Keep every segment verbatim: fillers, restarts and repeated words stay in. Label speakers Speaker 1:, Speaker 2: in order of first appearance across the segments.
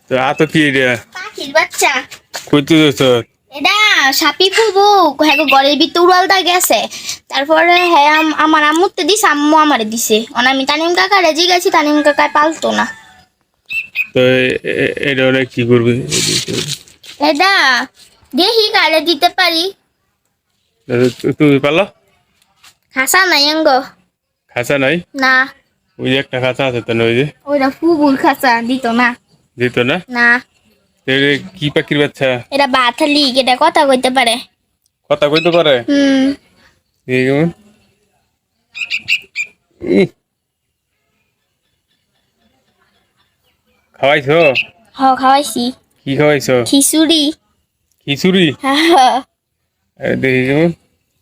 Speaker 1: তো আ তো কি রে
Speaker 2: পাখির বাচ্চা
Speaker 1: কইতে দছ
Speaker 2: এটা সাপি ফুবু হ্যাঁ ঘরের ভিতর উড়ালটা গেছে তারপরে হ্যাঁ আমার আম্মুতে দিছে আম্মু আমারে দিছে অন আমি তানিম কাকা রেজি গেছি তানিম কাকা পালতো না
Speaker 1: তো এটা ওরা কি করবে
Speaker 2: এটা দেখি কারে দিতে পারি
Speaker 1: তুমি পালো
Speaker 2: খাসা নাই অঙ্গ
Speaker 1: খাঁচা নাই
Speaker 2: না
Speaker 1: ওই যে একটা খাঁচা আছে তো না ওই যে
Speaker 2: ওইটা ফুবুর খাসা দিত না
Speaker 1: দিত না
Speaker 2: না
Speaker 1: এটা কি পাখির বাচ্চা
Speaker 2: এটা বাথালি এটা কথা কইতে পারে
Speaker 1: কথা কইতে পারে
Speaker 2: হুম
Speaker 1: এই কেমন ই। খাওয়াইছো
Speaker 2: হ খাওয়াইছি
Speaker 1: কি খাওয়াইছো
Speaker 2: খিচুড়ি
Speaker 1: খিচুড়ি
Speaker 2: হ্যাঁ
Speaker 1: এই দেখি কেমন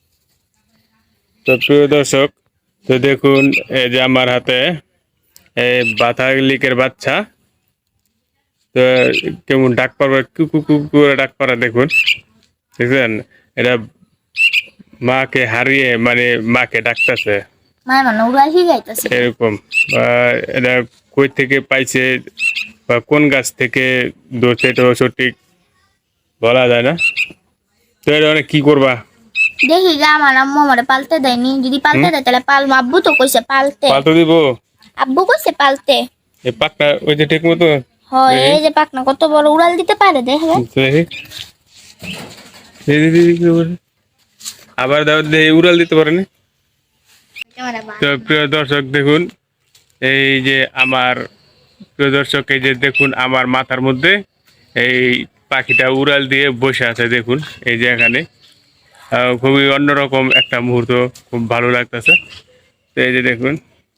Speaker 1: তো প্রিয় দর্শক তো দেখুন এই যে আমার হাতে এই বাতালিকের বাচ্চা তো কেমন ডাক পারবে কুকু কুকু করে ডাক পারা দেখুন দেখছেন এটা মাকে হারিয়ে মানে মাকে ডাকতেছে
Speaker 2: মায়ের মানে উড়াল শিখাইতেছে
Speaker 1: এরকম বা এটা কই থেকে পাইছে বা কোন গাছ থেকে ধরছে এটা সঠিক বলা যায় না তো এটা অনেক কি করবা
Speaker 2: দেখি গা আমার আম্মু আমারে পালতে দেয়নি যদি পালতে দেয় তাহলে পালবো আব্বু তো কইছে পালতে
Speaker 1: পাল্টো দিব
Speaker 2: আব্বু কইছে পালতে
Speaker 1: এই পাকটা ওই যে ঠিক মতো
Speaker 2: হয় এই যে পাকনা কত বড় উড়াল দিতে পারে দেখবে
Speaker 1: দেখি। এই যে- এই যে- আবার দাও দে- উড়াল দিতে পারেনি তো প্রিয় দর্শক দেখুন এই যে আমার প্রিয় দর্শক এই যে দেখুন আমার মাথার মধ্যে এই পাখিটা উড়াল দিয়ে বসে আছে দেখুন এই যে এখানে আহ, খুবই অন্যরকম একটা মুহূর্ত খুব ভালো লাগতেছে তো এই যে দেখুন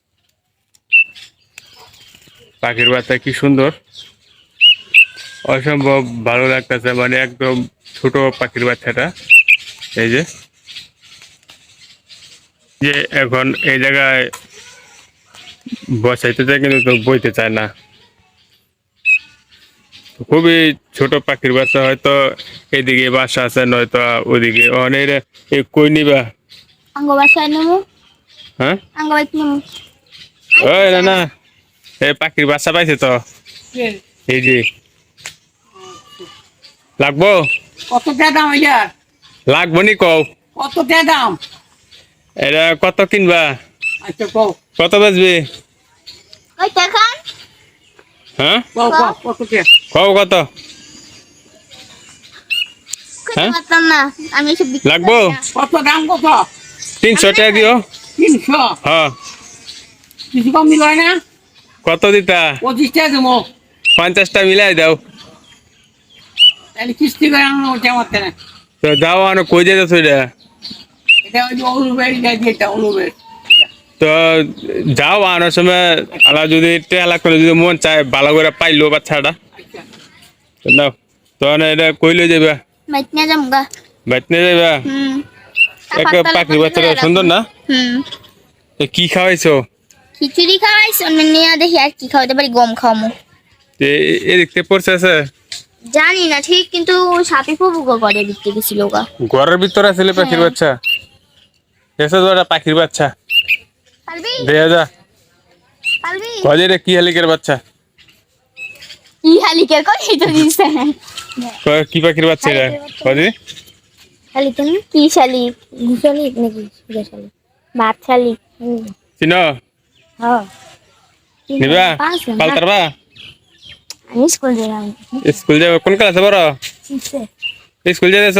Speaker 1: পাখির বাচ্চা কি সুন্দর অসম্ভব ভালো লাগতেছে মানে একদম ছোট পাখির বাচ্চাটা এই যে যে এখন এই জায়গায় বসাইতে চায় কিন্তু তো বইতে চায় না খুবই ছোট পাখির বাচ্চা হয়তো এদিকে বাসা আছে নয়তো ওদিকে অনেক এই কই নিবা
Speaker 2: আঙ্গ বাসায় নেমু
Speaker 1: হ্যাঁ
Speaker 2: আঙ্গ বাইক নেমু
Speaker 1: ওই না না এই পাখির বাচ্চা পাইছে তো এই যে লাগবো
Speaker 3: কত টাকা দাম এটার
Speaker 1: লাগবো নি কও
Speaker 3: কত টাকা দাম
Speaker 1: এটা কত কিনবা
Speaker 3: আচ্ছা কও
Speaker 1: কত বাজবে
Speaker 2: ওই দেখান
Speaker 1: হ্যাঁ
Speaker 3: কও কও কত টাকা
Speaker 1: কও কত
Speaker 2: কইতে
Speaker 1: হ্যাঁ?
Speaker 2: পারতাম না আমি এসব বিক্রি
Speaker 1: লাগবো?
Speaker 2: করি না।
Speaker 3: কত দাম কত
Speaker 1: তিনশো টাকা দিও
Speaker 3: তিনশো
Speaker 1: হ্যাঁ
Speaker 3: কিছু কম মিলয় না
Speaker 1: কত দিতা
Speaker 3: পঁচিশ টাকা দেবো
Speaker 1: পঞ্চাশটা মিলাই দাও
Speaker 3: তাহলে কিস্তি করে আনো ওটা আমার না
Speaker 1: তো দাও আনো কই যেতেছো এটা
Speaker 3: এটা ওই যে অলুবের এটা অলুবের
Speaker 1: তো যাও আনার সময় আলা যদি টেলা করে যদি মন চায় ভালো করে পাইলো বাচ্চাটা
Speaker 3: আচ্ছা
Speaker 1: তো নাও তখন এটা কইলে যাবা
Speaker 2: বাইক নিয়ে যাম গা
Speaker 1: বাইত নিয়ে যাবা
Speaker 2: হুম
Speaker 1: এক পাখির বাচ্চাটা সুন্দর না
Speaker 2: হুম
Speaker 1: তো কি খাওয়াইছো
Speaker 2: খিচুড়ি খাওয়াইছ নিয়ে দেখি আর কি খাওয়াইতে পারি গম খাওয়ামু
Speaker 1: তো এ- এদিকতে পড়ছে আছে
Speaker 2: জানি না ঠিক কিন্তু সাপে ফুবু ঘরে দিতে গেছিল গা
Speaker 1: ঘরের ভিতরে আছে পাখির বাচ্চা এসে তো একটা পাখির বাচ্চা
Speaker 2: পারবি
Speaker 1: দেখা যা
Speaker 2: পারবি
Speaker 1: কজে রে কি হালিকের বাচ্চা
Speaker 2: ই হালিকের কই তো দিছে
Speaker 1: ক- কি পাখির বাচ্চা এটা কজে
Speaker 2: শালিক না কি শালিক ঘুষালিক নাকি সুদা শালিক ভাত শালিক
Speaker 1: চিনো
Speaker 2: হ্যাঁ
Speaker 1: নিবা পালতারবা
Speaker 2: আমি স্কুল যাই
Speaker 1: স্কুল যাবে কোন ক্লাসে বড় স্কুল যাইতেছ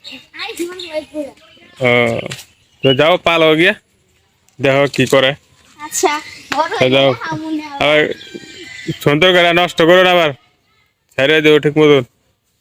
Speaker 1: ও তো যাও পালো গিয়া দেখো কি করে
Speaker 2: আচ্ছা বড়
Speaker 1: তো যাও আবার সুন্দর করে নষ্ট করো না আবার ছেড়ে দেবো ঠিক মতন